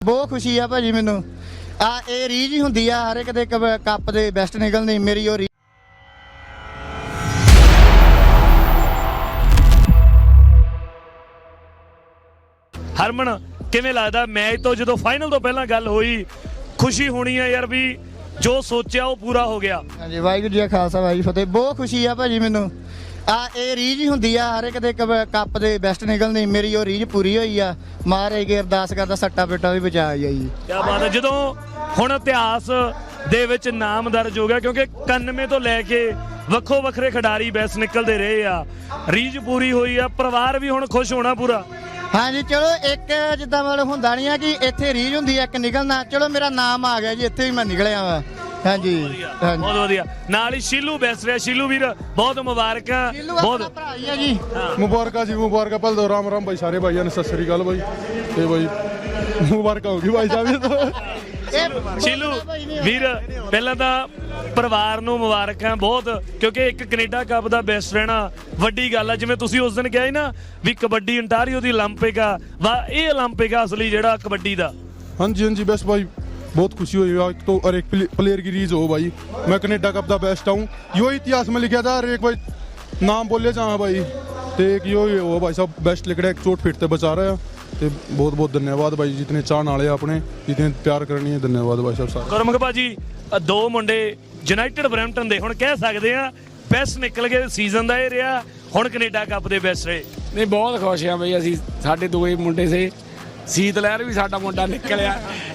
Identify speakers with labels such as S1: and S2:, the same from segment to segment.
S1: ਬਹੁਤ ਖੁਸ਼ੀ ਆ ਭਾਜੀ ਮੈਨੂੰ ਇਹ ਰੀਝ ਹੀ ਹੁੰਦੀ ਆ ਹਰ ਇੱਕ ਦੇ ਕੱਪ ਦੇ ਬੈਸਟ ਨਿਕਲਣੀ ਮੇਰੀ ਉਹ
S2: ਹਰਮਨ ਕਿਵੇਂ ਲੱਗਦਾ ਮੈਚ ਤੋਂ ਜਦੋਂ ਫਾਈਨਲ ਤੋਂ ਪਹਿਲਾਂ ਗੱਲ ਹੋਈ ਖੁਸ਼ੀ ਹੋਣੀ ਆ ਯਾਰ ਵੀ ਜੋ ਸੋਚਿਆ ਉਹ ਪੂਰਾ ਹੋ ਗਿਆ।
S1: ਹਾਂਜੀ ਵਾਹਿਗੁਰੂ ਜੀ ਕਾ ਖਾਲਸਾ ਵਾਹਿਗੁਰੂ ਫਤਿਹ। ਬਹੁਤ ਖੁਸ਼ੀ ਆ ਭਾਜੀ ਮੈਨੂੰ ਇਹ ਰੀਝ ਹੀ ਹੁੰਦੀ ਆ ਹਰ ਇੱਕ ਦੇ ਕੱਪ ਦੇ ਬੈਸਟ ਨਿਕਲਣੀ ਮੇਰੀ ਉਹ ਰੀਝ ਪੂਰੀ ਹੋਈ ਆ। ਮਹਾਰਾਜ ਅੱਗੇ ਅਰਦਾਸ ਕਰਦਾ ਸੱਟਾ ਪੇਟਾ ਵੀ ਬਚਾ ਜਾਈ।
S2: ਕੀ ਬਾਤ ਹੈ। ਜਦੋਂ ਹੁਣ ਇਤਿਹਾਸ ਦੇ ਵਿੱਚ ਨਾਮ ਦਰਜ ਹੋ ਗਿਆ ਕਿਉਂਕਿ 91 ਤੋਂ ਲੈ ਕੇ ਵੱਖੋ ਵੱਖਰੇ ਖਿਡਾਰੀ ਬੈਸਟ ਨਿਕਲਦੇ ਰਹੇ ਆ, ਰੀਝ ਪੂਰੀ ਹੋਈ ਆ, ਪਰਿਵਾਰ ਵੀ ਹੁਣ ਖੁਸ਼ ਹੋਣਾ ਪੂਰਾ।
S1: ਹਾਂਜੀ ਚਲੋ ਇੱਕ ਜਿੱਦਾਂ ਮਤਲਬ ਹੁੰਦਾ ਨਹੀਂ ਆ ਕਿ ਇੱਥੇ ਰੀਝ ਹੁੰਦੀ ਆ ਇੱਕ ਨਿਕਲਣਾ, ਚਲੋ ਮੇਰਾ ਨਾਮ ਆ ਗਿਆ ਜੀ ਇੱਥੇ ਵੀ ਮੈਂ ਨਿਕਲਿਆ ਵਾ। ਹਾਂਜੀ
S2: ਬਹੁਤ ਵਧੀਆ। ਨਾਲ ਹੀ ਸ਼ੀਲੂ ਬੈਸਟ ਰਿਹਾ। ਸ਼ੀਲੂ ਵੀਰ ਬਹੁਤ ਮੁਬਾਰਕਾਂ। ਬਹੁਤ
S1: ਭਰਾ ਹੀ ਆ ਜੀ।
S3: ਮੁਬਾਰਕਾਂ ਜੀ ਮੁਬਾਰਕਾਂ। ਪਹਿਲਾਂ ਤਾਂ ਰਾਮ ਰਾਮ ਭਾਈ ਸਾਰੇ ਭਾਈਆਂ ਨੂੰ ਸਤਿ ਸ੍ਰੀ ਅਕਾਲ ਭਾਈ ਤੇ ਭਾਈ ਮੁਬਾਰਕਾਂ ਹੋਗੀ ਭਾਈ ਸਾਹਿਬ।
S2: ਸ਼ੀਲੂ ਵੀਰ ਪਹਿਲਾਂ ਤਾਂ ਪਰਿਵਾਰ ਨੂੰ ਮੁਬਾਰਕਾਂ ਬਹੁਤ ਕਿਉਂਕਿ ਇੱਕ ਕੈਨੇਡਾ ਕੱਪ ਦਾ ਬੈਸਟ ਰਹਿਣਾ ਵੱਡੀ ਗੱਲ ਆ। ਜਿਵੇਂ ਤੁਸੀਂ ਉਸ ਦਿਨ ਕਿਹਾ ਸੀ ਨਾ ਵੀ ਕਬੱਡੀ ਅੰਟਾਰੀਓ ਦੀ 올림픽 ਆ ਵਾ ਇਹ 올림픽 ਆ ਅਸਲੀ ਜਿਹੜਾ ਕਬੱਡੀ ਦਾ।
S3: हाँ जी हाँ जी बस भाई बहुत खुशी हुई एक तो और एक प्लेयर की रीज हो भाई मैं कनेडा कप दा बेस्ट हूँ। यो इतिहास में लिखा था और एक भाई नाम बोले जहाँ भाई तो एक यो हो भाई साहब बेस्ट लिख रहा है चोट फिट ते बचा रहा है तो बहुत बहुत धन्यवाद भाई जितने चाहने वाले अपने जितने प्यार करनी है धन्यवाद भाई साहब सारे।
S2: ਗੁਰਮੁਖ ਭਾਜੀ ਦੋ ਮੁੰਡੇ ਯੂਨਾਈਟਿਡ ਬਰੈਂਪਟਨ ਦੇ ਹੁਣ ਕਹਿ ਸਕਦੇ ਆ ਬੈਸਟ ਨਿਕਲ ਗਏ ਸੀਜ਼ਨ ਦਾ ਇਹ ਰਿਹਾ ਹੁਣ ਕੈਨੇਡਾ ਕੱਪ ਦੇ ਬੈਸਟ ਰਹੇ।
S4: ਨਹੀਂ ਬਹੁਤ ਖੁਸ਼ ਆ ਬਈ ਅਸੀਂ ਸਾਡੇ ਦੋਵੇਂ ਮੁੰਡੇ ਸੇ ਸੀਤ ਲਹਿਰ ਵੀ ਸਾਡਾ ਮੁੰਡਾ ਨਿਕਲਿਆ।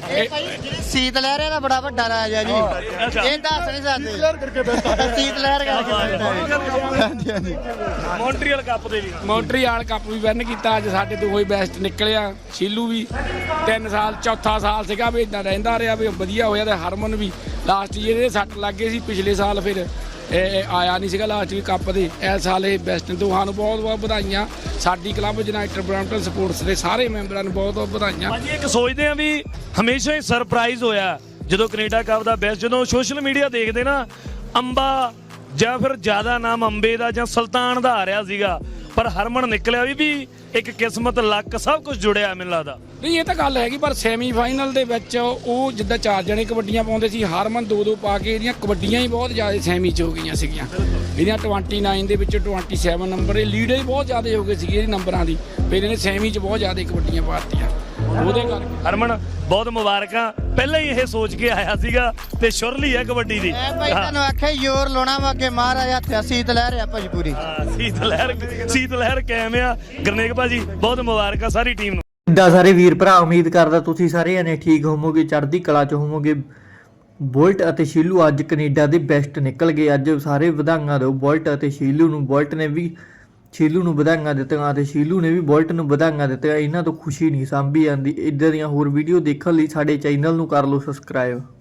S1: ਸੀਤ ਲਹਿਰੇ ਦਾ ਬੜਾ ਵੱਡਾ ਰਾਜ ਆ ਜੀ ਇਹ ਦੱਸ ਨਹੀਂ ਸਕਦੇ ਸੀਤ ਲਹਿਰ ਕਰਕੇ। ਹਾਂਜੀ ਹਾਂਜੀ
S2: ਮੌਂਟਰੀਅਲ ਕੱਪ ਦੇ ਵੀ
S4: ਮੌਂਟਰੀਅਲ ਕੱਪ ਵੀ ਵਿਨ ਕੀਤਾ ਅੱਜ ਸਾਡੇ ਦੋਵੇਂ ਬੈਸਟ ਨਿਕਲਿਆ। ਸ਼ੀਲੂ ਵੀ 3 ਸਾਲ ਚੌਥਾ ਸਾਲ ਸੀਗਾ ਵੀ ਇਦਾਂ ਰਹਿੰਦਾ ਰਿਹਾ ਵੀ ਵਧੀਆ ਹੋਇਆ ਤੇ ਹਰਮਨ ਵੀ ਲਾਸਟ ਈਅਰ ਇਹਦੇ ਸੱਟ ਲੱਗ ਗਏ ਸੀ ਪਿਛਲੇ ਸਾਲ ਫਿਰ ਇਹ ਆਇਆ ਨਹੀਂ ਸੀਗਾ ਲਾਸਟ ਵੀ ਕੱਪ ਦੇ। ਇਸ ਸਾਲ ਇਹ ਬੈਸਟ ਦੋਹਾਂ ਨੂੰ ਬਹੁਤ ਬਹੁਤ ਵਧਾਈਆਂ। ਸਾਡੀ ਕਲੱਬ ਯੂਨਾਈਟਿਡ ਬਰੈਂਪਟਨ ਸਪੋਰਟਸ ਦੇ ਸਾਰੇ ਮੈਂਬਰਾਂ ਨੂੰ ਬਹੁਤ ਬਹੁਤ ਵਧਾਈਆਂ।
S2: ਭਾਜੀ ਇੱਕ ਸੋਚਦੇ ਆ ਵੀ ਹਮੇਸ਼ਾ ਹੀ ਸਰਪ੍ਰਾਈਜ਼ ਹੋਇਆ ਜਦੋਂ ਕੈਨੇਡਾ ਕੱਪ ਦਾ ਬੈਸਟ ਜਦੋਂ ਸੋਸ਼ਲ ਮੀਡੀਆ ਦੇਖਦੇ ਨਾ ਅੰਬਾ ਜਾਂ ਫਿਰ ਜ਼ਿਆਦਾ ਨਾਮ ਅੰਬੇ ਦਾ ਜਾਂ ਸੁਲਤਾਨ ਦਾ ਆ ਰਿਹਾ ਸੀਗਾ ਪਰ ਹਰਮਨ ਨਿਕਲਿਆ ਵੀ ਇੱਕ ਕਿਸਮਤ ਲੱਕ ਸਭ ਕੁਝ ਜੁੜਿਆ ਮੈਨੂੰ ਲੱਗਦਾ।
S4: ਨਹੀਂ ਇਹ ਤਾਂ ਗੱਲ ਹੈਗੀ ਪਰ ਸੈਮੀਫਾਈਨਲ ਦੇ ਵਿੱਚ ਉਹ ਜਿੱਦਾਂ 4 ਜਣੇ ਕਬੱਡੀਆਂ ਪਾਉਂਦੇ ਸੀ ਹਰਮਨ 2-2 ਪਾ ਕੇ ਇਹਦੀਆਂ ਕਬੱਡੀਆਂ ਹੀ ਬਹੁਤ ਜ਼ਿਆਦਾ ਸੈਮੀ 'ਚ ਹੋ ਗਈਆਂ ਸੀਗੀਆਂ। ਇਹਦੀਆਂ 29 ਦੇ ਵਿੱਚ 27 ਨੰਬਰ ਇਹ ਲੀਡ ਹੀ ਬਹੁਤ ਜ਼ਿਆਦਾ ਹੋ ਗਏ ਸੀਗੇ ਇਹਦੇ ਨੰਬਰਾਂ ਦੀ ਫਿਰ ਇਹਨੇ ਸੈਮੀ 'ਚ ਬਹੁਤ ਜ਼ਿਆਦਾ ਕਬੱਡੀਆਂ ਪਾਤੀਆਂ ਉਹਦੇ ਕਰਕੇ।
S2: ਹਰਮਨ ਬਹੁਤ ਮੁਬਾਰਕਾਂ। ਪਹਿਲਾਂ ਹੀ ਇਹ ਸੋਚ ਕੇ ਆਇਆ ਸੀਗਾ ਤੇ ਸ਼ੁਰਲੀ ਹੈ ਕਬੱਡੀ ਦੀ।
S1: ਮੈਂ ਭਾਈ ਤੁਹਾਨੂੰ ਆਖਿਆ ਜ਼ੋਰ ਲਾਉਣਾ ਵਾ ਅੱਗੇ ਮਹਾਰਾਜ ਹੱਥ ਸੀਤ ਲਹਿਰ ਆ ਭਾਜੀ ਪੂਰੀ।
S2: ਸੀਤ ਲਹਿਰ ਕਾਇਮ ਆ। ਗਰਨੇਕ ਭਾਜੀ ਬਹੁਤ ਮੁਬਾਰਕਾਂ ਸਾਰੀ ਟੀਮ ਨੂੰ।
S5: ਇੱਦਾਂ ਸਾਰੇ ਵੀਰ ਭਰਾ ਉਮੀਦ ਕਰਦਾ ਤੁਸੀਂ ਸਾਰੇ ਜਣੇ ਠੀਕ ਹੋਵੋਗੇ ਚੜ੍ਹਦੀ ਕਲਾ 'ਚ ਹੋਵੋਗੇ। ਬੋਲਟ ਅਤੇ ਸ਼ੀਲੂ ਅੱਜ ਕੈਨੇਡਾ ਦੇ ਬੈਸਟ ਨਿਕਲ ਗਏ। ਅੱਜ ਸਾਰੇ ਵਧਾਈਆਂ ਦਿਓ ਬੋਲਟ ਅਤੇ ਸ਼ੀਲੂ ਨੂੰ। ਬੋਲਟ ਨੇ ਵੀ ਸ਼ੀਲੂ ਨੂੰ ਵਧਾਈਆਂ ਦਿੱਤੀਆਂ ਅਤੇ ਸ਼ੀਲੂ ਨੇ ਵੀ ਬੋਲਟ ਨੂੰ ਵਧਾਈਆਂ ਦਿੱਤੀਆਂ। ਇਹਨਾਂ ਤੋਂ ਖੁਸ਼ੀ ਨਹੀਂ ਸਾਂਭੀ ਜਾਂਦੀ। ਇੱਦਾਂ ਦੀਆਂ ਹੋਰ ਵੀਡੀਓ ਦੇਖਣ ਲਈ ਸਾਡੇ ਚੈਨਲ ਨੂੰ ਕਰ ਲਓ ਸਬਸਕ੍ਰਾਈਬ।